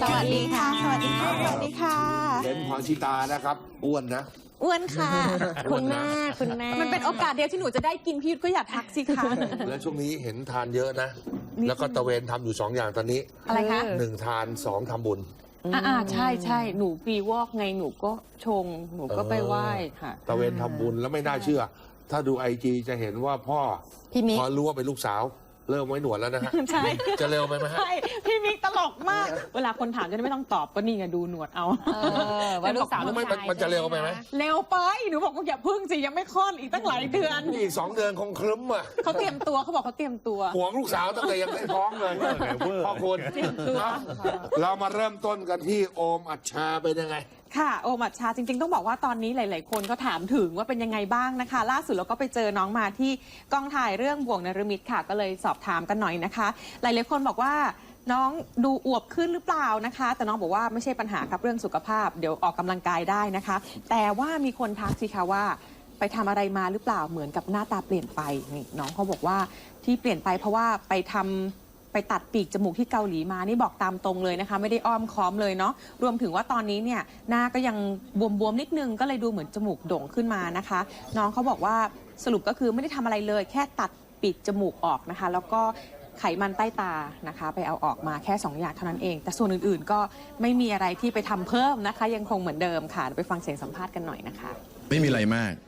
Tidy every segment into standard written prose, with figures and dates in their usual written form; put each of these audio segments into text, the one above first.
สวัสดีค่ะ สวัสดีค่ะ สวัสดีค่ะเป็นพรชิตานะครับอ้วนนะอ้วนค่ะคุณแม่มันเป็นโอกาสเดียวที่หนูจะได้กินพี่ยุทธก็อย่าทักสิคะแล้วช่วงนี้เห็นทานเยอะนะ แล้วก็ตะเวนทำอยู่2 อย่างตอนนี้อะไรคะ 1 ทาน 2 ทำบุญใช่ใช่หนูปีวอกไงหนูก็ชงหนูก็ไปไหว้ค่ะตะเวนทำบุญแล้วไม่น่าเชื่อ ถ้าดูIGจะเห็นว่าพ่อพี่มิกพอรู้ว่าเป็นลูกสาว เริ่มไว้หนวดแล้วนะฮะใช่จะเร็วไปไหมฮะใช่พี่มิกตลกมาก เวลาคนถามจะได้ไม่ต้องตอบก็นี่ไงดูหนวดเอาว่าลูกสาวไม่มันจะเร็วไปไหมเร็วไปหนูบอกว่าอย่าพึ่งสิยังไม่คลอดอีกตั้งหลายเดือนอีก2 เดือนคงครึ้มอ่ะเขาเตรียมตัวเขาบอกเขาเตรียมตัวห่วงลูกสาวตั้งแต่ยังไม่ท้องเลยพ่อคุณเตรียมตัวเรามาเริ่มต้นกันที่โอมอัชชาเป็นยังไงค่ะโอมัชชาจริงๆต้องบอกว่าตอนนี้หลายๆคนก็ถามถึงว่าเป็นยังไงบ้างนะคะ ล่าสุดเราก็ไปเจอน้องมาที่กองถ่ายเรื่องบ่วงนรมิตค่ะก็เลยสอบถามกันหน่อยนะคะ หลายๆคนบอกว่าน้องดูอวบขึ้นหรือเปล่านะคะ แต่น้องบอกว่าไม่ใช่ปัญหาครับเรื่องสุขภาพเดี๋ยวออกกำลังกายได้นะคะ แต่ว่ามีคนทักสิคะว่าไปทำอะไรมาหรือเปล่าเหมือนกับหน้าตาเปลี่ยนไปนี่น้องเขาบอกว่าที่เปลี่ยนไปเพราะว่าไปตัดปีกจมูกที่เกาหลีมานี่บอกตามตรงเลยนะคะไม่ได้อ้อมค้อมเลยเนาะรวมถึงว่าตอนนี้เนี่ยหน้าก็ยังบวมๆนิดนึงก็เลยดูเหมือนจมูกโด่งขึ้นมานะคะ น้องเขาบอกว่าสรุปก็คือไม่ได้ทำอะไรเลย แค่ตัดปีกจมูกออกนะคะ แล้วก็ไขมันใต้ตานะคะ ไปเอาออกมาแค่2 อย่างเท่านั้นเอง แต่ส่วนอื่นๆก็ไม่มีอะไรที่ไปทำเพิ่มนะคะ ยังคงเหมือนเดิมค่ะไปฟังเสียงสัมภาษณ์กันหน่อยนะคะไม่มีอะไรมาก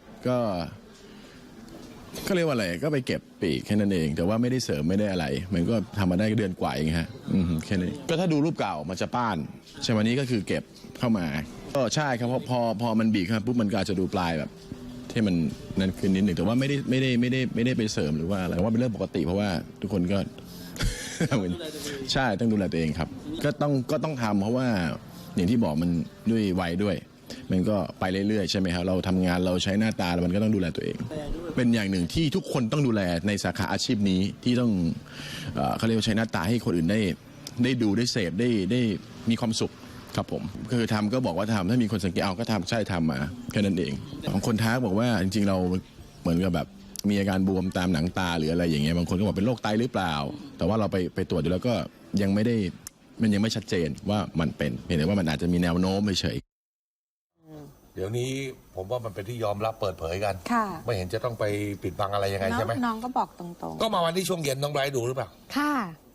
ก็เรียกว่าอะไรก็ไปเก็บปีกแค่นั้นเอง แต่ว่าไม่ได้เสริมไม่ได้อะไร มันก็ทำมาได้เดือนกว่าเองฮะแค่นี้ก็ถ้าดูรูปเก่ามันจะป้านใช่วันนี้ก็คือเก็บเข้ามาก็ใช่ครับเพราะพอมันบีบครับปุ๊บมันก็อาจจะดูปลายแบบที่มันนั่นขึ้นนิดหนึ่งแต่ว่าไม่ได้ไปเสริมหรือว่าอะไรว่าเป็นเรื่องปกติเพราะว่าทุกคนก็ ใช่ต้องดูแลตัวเองครับก็ต้องทำเพราะว่าอย่างที่บอกมันด้วยวัยด้วยมันก็ไปเรื่อยๆใช่ไหมครับเราทำงานเราใช้หน้าตาแล้วมันก็ต้องดูแลตัวเองเป็นอย่างหนึ่งที่ทุกคนต้องดูแลในสาขาอาชีพนี้ที่ต้องเขาเรียกว่าใช้หน้าตาให้คนอื่นได้ดูได้เสพได้มีความสุขครับผมคือทำก็บอกว่าทำถ้ามีคนสังเกตเอาก็ทำใช่ทำมาแค่นั้นเองบางคนทักบอกว่าจริงๆเราเหมือนกับแบบมีอาการบวมตามหนังตาหรืออะไรอย่างเงี้ยบางคนก็บอกเป็นโรคไตหรือเปล่าแต่ว่าเราไปตรวจดูแล้วก็ยังไม่ชัดเจนว่ามันเป็นเพียงแต่ว่ามันอาจจะมีแนวโน้มเฉยเดี๋ยวนี้ผมว่ามันเป็นที่ยอมรับเปิดเผยกันค่ะไม่เห็นจะต้องไปปิดบังอะไรยังไงใช่ไหมน้องก็บอกตรงก็มาวันที่ช่วงเย็นน้องไบรท์ดูหรือเปล่าค่ะ